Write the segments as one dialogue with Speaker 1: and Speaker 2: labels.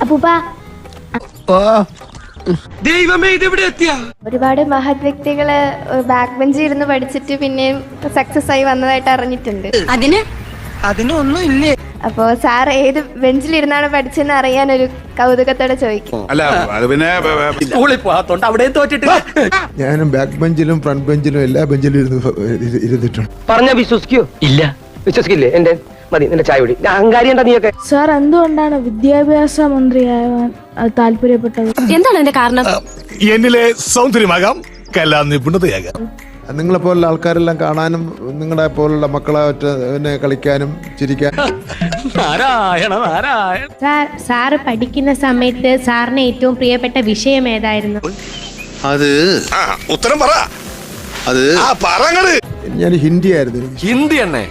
Speaker 1: അപ്പൂപ്പ ഒരുപാട് മഹത് വ്യക്തികള് ബാക്ക് ബെഞ്ചിൽ ഇരുന്ന് പഠിച്ചിട്ട് പിന്നെയും സക്സസ് ആയി വന്നതായിട്ട് അറിഞ്ഞിട്ടുണ്ട്.
Speaker 2: അതിനൊന്നും ഇല്ലേ?
Speaker 1: അപ്പോ സാർ ഏത് ബെഞ്ചിലിരുന്നാണ് പഠിച്ചെന്ന് അറിയാൻ ഒരു കൗതുകത്തോടെ ചോദിക്കും.
Speaker 3: ഞാനും ബാക്ക് ബെഞ്ചിലും ഫ്രണ്ട് ബെഞ്ചിലും എല്ലാ ബെഞ്ചിലും ഇരുന്നിട്ടുണ്ട്.
Speaker 2: പറഞ്ഞ വിശ്വസിക്കോ? ഇല്ല, വിശ്വസിക്കില്ലേ? എന്റെ മതി, നിന്റെ ചായ കുടി. അഹങ്കാരി എന്താ നീയൊക്കെ?
Speaker 4: സാർ എന്തുകൊണ്ടാണ് വിദ്യാഭ്യാസ മന്ത്രിയാവാൻ താല്പര്യപ്പെട്ടത്?
Speaker 5: എന്താണ് എന്റെ കാരണം?
Speaker 6: എന്നിലെ സൗന്ദര്യമാകാം, കലാ നിപുണതയാകാം.
Speaker 3: നിങ്ങളെപ്പോലുള്ള ആൾക്കാരെല്ലാം കാണാനും നിങ്ങളെ പോലുള്ള മക്കളെ പിന്നെ കളിക്കാനും ചിരിക്കാനും.
Speaker 7: സാറ് പഠിക്കുന്ന സമയത്ത് സാറിന് ഏറ്റവും പ്രിയപ്പെട്ട വിഷയം ഏതായിരുന്നു?
Speaker 6: ഉത്തരം പറ.
Speaker 3: ഞാൻ ഹിന്ദി ആയിരുന്നു.
Speaker 6: ഹിന്ദി തന്നെ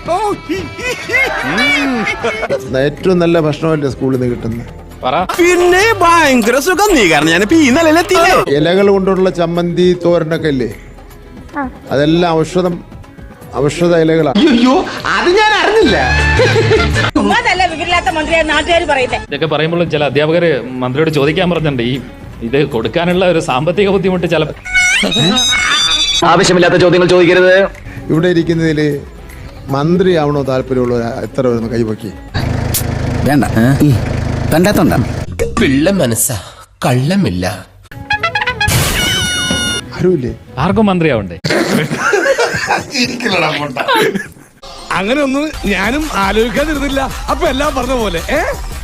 Speaker 3: ഏറ്റവും നല്ല ഭക്ഷണമല്ലേ സ്കൂളിൽ നിന്ന് കിട്ടുന്നത്.
Speaker 6: പിന്നെ ഭയങ്കര സുഖം. നീ കാരണം ഞാനിപ്പോ ഈ നിലയിലെത്തിയില്ലേ.
Speaker 3: ഇലകൾ കൊണ്ടുള്ള ചമ്മന്തി തോരനൊക്കെ ഇല്ലേ, അതെല്ലാം ഔഷധ ഇലകളാണ്.
Speaker 2: അത് ഞാൻ അറിഞ്ഞില്ല.
Speaker 8: ഇതൊക്കെ പറയുമ്പോൾ ചില അധ്യാപകര് മന്ത്രിയോട് ചോദിക്കാൻ പറഞ്ഞിട്ടുണ്ട്, ഈ ഇത് കൊടുക്കാനുള്ള ഒരു സാമ്പത്തിക ബുദ്ധിമുട്ട് ചില
Speaker 2: ആവശ്യമില്ലാത്ത ചോദ്യങ്ങൾ ചോദിക്കരുത്.
Speaker 3: ഇവിടെ ഇരിക്കുന്നതിൽ മന്ത്രിയാവണോ താല്പര്യമുള്ള എത്ര വരുന്നു കൈപൊക്കി?
Speaker 9: വേണ്ട, കണ്ടാത്തോണ്ട.
Speaker 10: പിള്ള മനസ്സാ, കള്ളമില്ല.
Speaker 3: ആരുമില്ലേ?
Speaker 8: ആർക്കും മന്ത്രിയാവണ്ടേ?
Speaker 6: അങ്ങനെ ഒന്നും ഞാനും ആലോചിക്കാതിരുന്നില്ല. അപ്പൊ എല്ലാം പറഞ്ഞ പോലെ